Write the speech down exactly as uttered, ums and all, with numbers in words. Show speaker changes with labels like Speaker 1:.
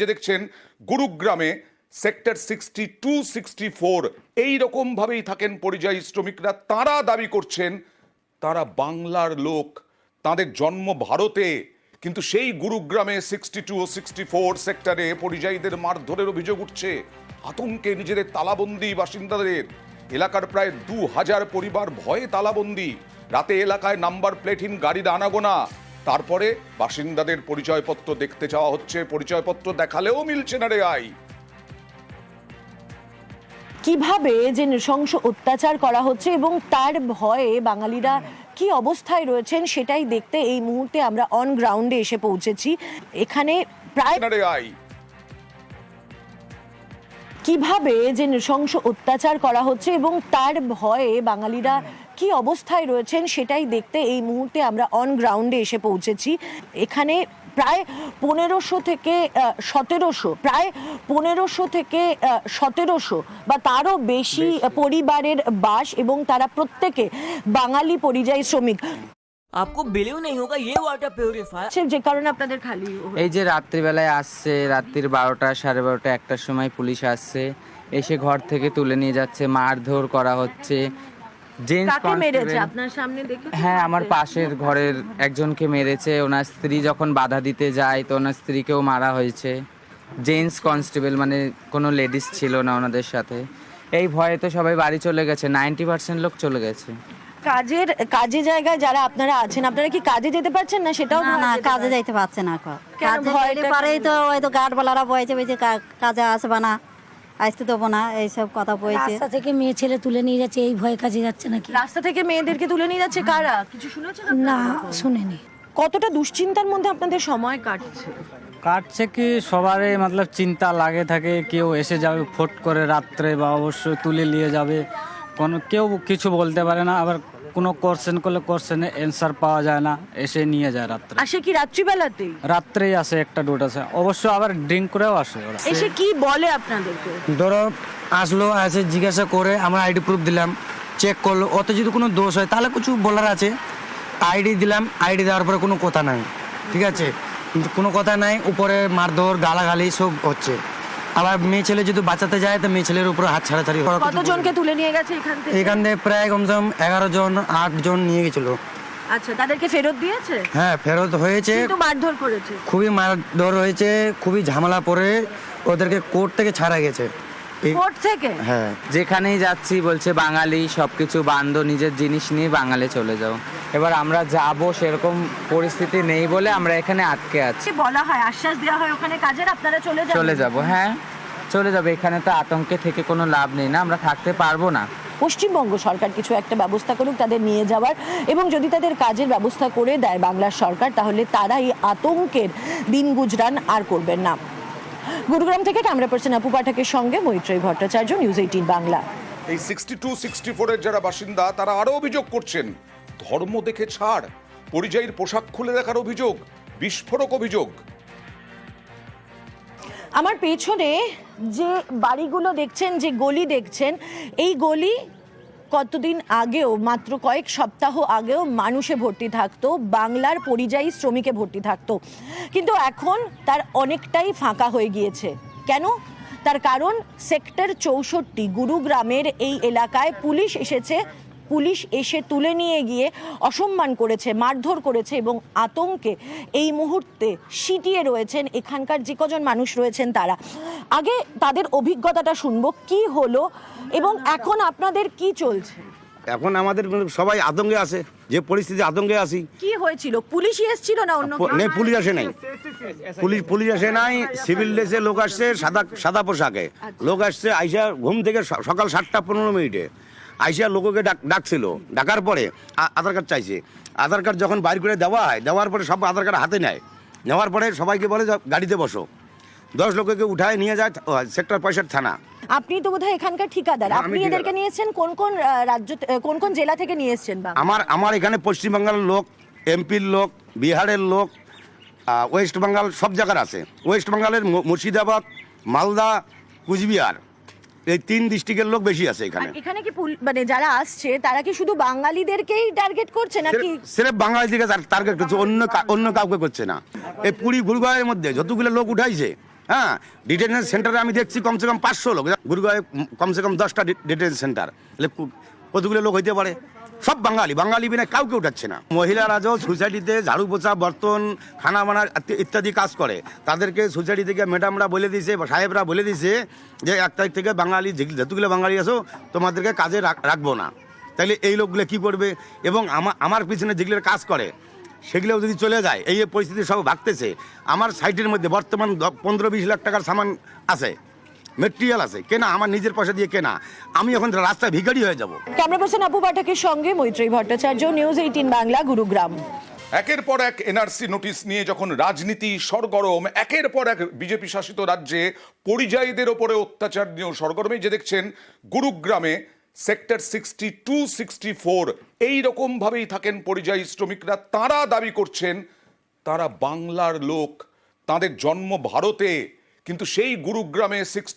Speaker 1: রাজ্যে দেখছেন গুরুগ্রামে sector sixty two sixty four এইরকমভাবেই থাকেন পরিযায়ী শ্রমিকরা। তারা দাবি করছেন তারা বাংলার লোক, তাদের জন্ম ভারতে, কিন্তু সেই গুরুগ্রামে সিক্সটি টু ও সিক্সটি ফোর সেক্টরে পরিযায়ীদের মারধরের অভিযোগ উঠছে। আতঙ্কে নিজেদের তালাবন্দি বাসিন্দাদের। এলাকার প্রায় দু হাজার পরিবার ভয়ে তালাবন্দি। রাতে এলাকায় নাম্বার প্লেটহীন গাড়ির আনাগোনা। তারপরে বাসিন্দাদের পরিচয়পত্র দেখতে চাওয়া হচ্ছে, পরিচয়পত্র দেখালেও মিলছে না রে আই।
Speaker 2: কিভাবে যে নৃশংস অত্যাচার করা হচ্ছে এবং তার ভয়ে বাঙালিরা কি অবস্থায় রয়েছেন সেটাই দেখতে এই মুহূর্তে আমরা অন গ্রাউন্ডে এসে পৌঁছেছি। এখানে প্রায় কিভাবে যে নৃশংস অত্যাচার করা হচ্ছে এবং তার ভয়ে বাঙালিরা কি অবস্থায় রয়েছেন সেটাই দেখতে এই মুহূর্তে আমরা অন গ্রাউন্ডে এসে পৌঁছেছি। এখানে প্রায় পনেরোশো থেকে সতেরোশো প্রায় পনেরোশো থেকে সতেরোশো বা তারও বেশি পরিবারের বাস এবং তারা প্রত্যেকে বাঙালি পরিযায়ী শ্রমিক।
Speaker 3: आपको बिलीव नहीं होगा ये वाटर प्यूरिफायर
Speaker 2: যে কারণে আপনাদের খালি
Speaker 4: এই যে রাত্রিবেলায় আসছে, রাত্রির বারোটা সাড়ে বারোটা একটার সময় পুলিশ আসছে, এসে ঘর থেকে তুলে নিয়ে যাচ্ছে, মারধর করা হচ্ছে।
Speaker 2: কাকে মেরেছে আপনার সামনে দেখে?
Speaker 4: হ্যাঁ, আমার পাশের ঘরের একজনকে মেরেছে। ওনার স্ত্রী যখন বাধা দিতে যায় তো ওনার স্ত্রীকেও মারা হয়েছে। জেন্টস কনস্টেবল মানে কোনো লেডিস ছিল না ওনাদের সাথে। এই ভয়ে তো সবাই বাড়ি চলে গেছে, নাইনটি পার্সেন্ট লোক চলে গেছে।
Speaker 2: কাজের কাজে জায়গায় যারা আপনারা আছেন, আপনারা কি কাজে যেতে পারছেন না? সেটাও
Speaker 5: না না কাজে যাইতে পারছে না। কাজে যাইতে পারেই তো হয়তো গার্ডওয়ালারা বয়েছে বলছে কাজে আসবে না, আসতে দেবো না, এইসব কথা বলছে।
Speaker 6: রাস্তা থেকে মেয়ে ছেলে তুলে নিয়ে যাচ্ছে, এই ভয়ে কাজে যাচ্ছে নাকি?
Speaker 2: রাস্তা থেকে মেয়েদেরকে তুলে নিয়ে যাচ্ছে কারা? কিছু শুনেছেন?
Speaker 6: না শুনিনি।
Speaker 2: কতটা দুশ্চিন্তার মধ্যে আপনাদের সময় কাটছে?
Speaker 7: কাটছে কি সবারই মতলব চিন্তা লাগে থাকে, কেউ এসে যাবে ফট করে রাত্রে বা অবশ্যই তুলে নিয়ে যাবে, কোনো কেউ কিছু বলতে পারে না। আবার কোনো কোশ্চেন করলে কোশ্চেনে অ্যান্সার পাওয়া যায় না, এসে নিয়ে যায় রাত্রে।
Speaker 2: আসে কি রাত্রিবেলাতেই?
Speaker 7: রাত্রেই আসে, একটা দুটো আসে, অবশ্য আবার ড্রিঙ্ক করেও আসে ওরা।
Speaker 2: এসে কি বলে আপনাদেরকে?
Speaker 8: ধরো আসলো, এসে জিজ্ঞাসা করে, আমরা আইডি প্রুফ দিলাম, চেক করলো, ওতে যদি কোনো দোষ হয় তাহলে কিছু বলার আছে। আইডি দিলাম, আইডি দেওয়ার পরে কোনো কথা নাই, ঠিক আছে, কিন্তু কোনো কথা নাই, উপরে মারধর গালাগালি সব হচ্ছে। আবার মেয়ে ছেলে যদি বাঁচাতে যায় তো মেয়ে ছেলের উপরে হাত ছাড়াছাড়ি।
Speaker 2: কতজনকে তুলে নিয়ে গেছে এখান থেকে?
Speaker 8: এখান থেকে প্রায় কমসে কম এগারো জন আট জন নিয়ে গেছিল।
Speaker 2: আচ্ছা, তাদেরকে ফেরত দিয়েছে?
Speaker 8: হ্যাঁ, ফেরত হয়েছে,
Speaker 2: কিন্তু মারধর করেছে,
Speaker 8: খুবই মারধর হয়েছে, খুবই ঝামেলা পরে ওদেরকে কোর্ট থেকে ছাড়া গেছে।
Speaker 2: কোর্ট থেকে?
Speaker 4: হ্যাঁ, যেখানেই যাচ্ছি বলছে বাঙালি, সবকিছু বান্ধ, নিজের জিনিস নিয়ে বাঙালি চলে যাও। এবার আমরা যাব সেরকম পরিস্থিতি নেই বলে আমরা এখানে আটকে আছি।
Speaker 2: বলা হয়, আশ্বাস দেওয়া হয় ওখানে কাজের আপনারা চলে যাবেন।
Speaker 4: চলে যাব, হ্যাঁ চলে যাবে। এখানে তো আতঙ্কে থেকে কোনো লাভ নেই না, আমরা থাকতে পারবো না।
Speaker 2: পশ্চিমবঙ্গ সরকার কিছু একটা ব্যবস্থা করুক তাদের নিয়ে যাওয়ার, এবং যদি তাদের কাজের ব্যবস্থা করে দেয় বাংলার সরকার, তাহলে তারা এই আতঙ্কের দিন গুজরান আর করবেন না। গুরুগ্রাম থেকে ক্যামেরা পার্সন আপু পাঠকের সঙ্গে মৈত্রী ভট্টাচার্য, নিউজ এইটিন বাংলা।
Speaker 1: এই সিক্সটি টু সিক্সটি ফোর এর যারা বাসিন্দা তারা আরো অভিযোগ করছেন, ধর্ম দেখে ছাড়, পরিযায়ীর পোশাক খুলে দেখার অভিযোগ, বিস্ফোরক অভিযোগ।
Speaker 2: আমার পেছনে যে বাড়িগুলো দেখছেন, যে গলি দেখছেন, এই গলি কতদিন আগেও, মাত্র কয়েক সপ্তাহ আগেও মানুষে ভর্তি থাকতো, বাংলার পরিযায়ী শ্রমিকে ভর্তি থাকতো, কিন্তু এখন তার অনেকটাই ফাঁকা হয়ে গিয়েছে। কেন? তার কারণ সেক্টর চৌষট্টি গুরুগ্রামের এই এলাকায় পুলিশ এসেছে, পুলিশ এসে তুলে নিয়ে গিয়ে অসম্মান করেছে, মারধর করেছে, এবং আতঙ্কে এই মুহূর্তে সিটিয়ে রয়েছেন এখানকার যে কজন মানুষ রয়েছেন তারা। আগে তাদের অভিজ্ঞতাটা শুনবো, কি হলো এবং এখন আপনাদের কি চলছে।
Speaker 9: এখন আমাদের সবাই আতঙ্কে আছে, যে পরিস্থিতি আতঙ্কে আছি।
Speaker 2: কি হয়েছিল? পুলিশই এসেছিল না অন্য কেউ?
Speaker 9: নেই, পুলিশ আসে নাই, পুলিশ পুলিশ আসে নাই, সিভিল ড্রেসে লোক আসছে, সাদা সাদা পোশাকে লোক আসছে, আইসা ঘুম থেকে সকাল সাতটা পনেরো মিনিটে আইসা লোককে ডাকছিল, ডাকার পরে আধার কার্ড চাইছে। আধার কার্ড যখন বাইর করে দেওয়া হয়, দেওয়ার পরে সব আধার কার্ড হাতে নেয়, নেওয়ার পরে সবাইকে বলে গাড়িতে বসো, দশ লোককে উঠায় নিয়ে যায় সেক্টর পঁয়ষট্টি থানা।
Speaker 2: আপনি তো বোধহয় এখানকার ঠিকাদার, আপনি এদেরকে নিয়েছেন কোন কোন রাজ্য, কোন কোন জেলা থেকে নিয়ে এসেছেন?
Speaker 9: আমার আমার এখানে পশ্চিমবাংলার লোক, এমপির লোক, বিহারের লোক, ওয়েস্ট বেঙ্গল সব জায়গার আছে। ওয়েস্ট বেঙ্গলের মুর্শিদাবাদ, মালদা, কুচবিহার, এই তিন ডিস্ট্রিক্টের লোক বেশি আছে এখানে।
Speaker 2: এখানে কি মানে যারা আসছে তারা কি শুধু বাঙালিদেরকেই টার্গেট করছে নাকি?
Speaker 9: সিরেফ বাঙালিদেরকে টার্গেট করছে, অন্য অন্য কাউকে করছে না। এই পুরী গুরুগাঁওয়ের মধ্যে যতগুলো লোক উঠাইছে হ্যাঁ, ডিটেনশন সেন্টারে আমি দেখছি কমসে কম পাঁচশো লোক, গুরুগাঁয়ে কমসে কম দশটা ডিটেনশন সেন্টার, তাহলে কু- কতগুলো লোক হইতে পারে? সব বাঙালি, বাঙালি বিনা কাউকে উঠাচ্ছে না। মহিলারাও সোসাইটিতে ঝাড়ু পোছা, বর্তন, খানা বানার ইত্যাদি কাজ করে, তাদেরকে সোসাইটি থেকে ম্যাডামরা বলে দিয়েছে বা সাহেবরা বলে দিয়েছে যে এক তারিখ থেকে বাঙালি যতগুলো বাঙালি আছো তোমাদেরকে কাজে রাখ- রাখবো না। তাইলে এই লোকগুলো কি করবে? এবং আমার আমার পিছনে যেগুলো কাজ করে সেগুলোও যদি চলে যায়, এই যে পরিস্থিতি সব ভাগতেছে, আমার সাইটের মধ্যে বর্তমান দ- পনেরো বিশ লাখ টাকার সামান আছে, মেটেরিয়াল আছে কেনা, আমার নিজের পয়সা দিয়ে কেনা, আমি এখন রাস্তায় ভিখারি হয়ে যাব।
Speaker 2: ক্যামেরা পার্সন আপু পাঠকের সঙ্গে মৈত্রী ভট্টাচার্য, নিউজ এইটিন বাংলা, গুরুগ্রাম।
Speaker 1: একের পর এক এনআরসি নোটিশ নিয়ে যখন রাজনীতি সরগরম, একের পর এক বিজেপি শাসিত রাজ্যে পরিযায়ীদের ওপরে অত্যাচার নিয়েও সরগরমে, যে দেখছেন গুরুগ্রামে sector sixty two sixty four এইরকম ভাবেই থাকেন পরিযায়ী শ্রমিকরা। তারা দাবি করছেন তারা বাংলার লোক, তাদের জন্ম ভারতে, কিন্তু সেই গুরুগ্রামে সিক্সটি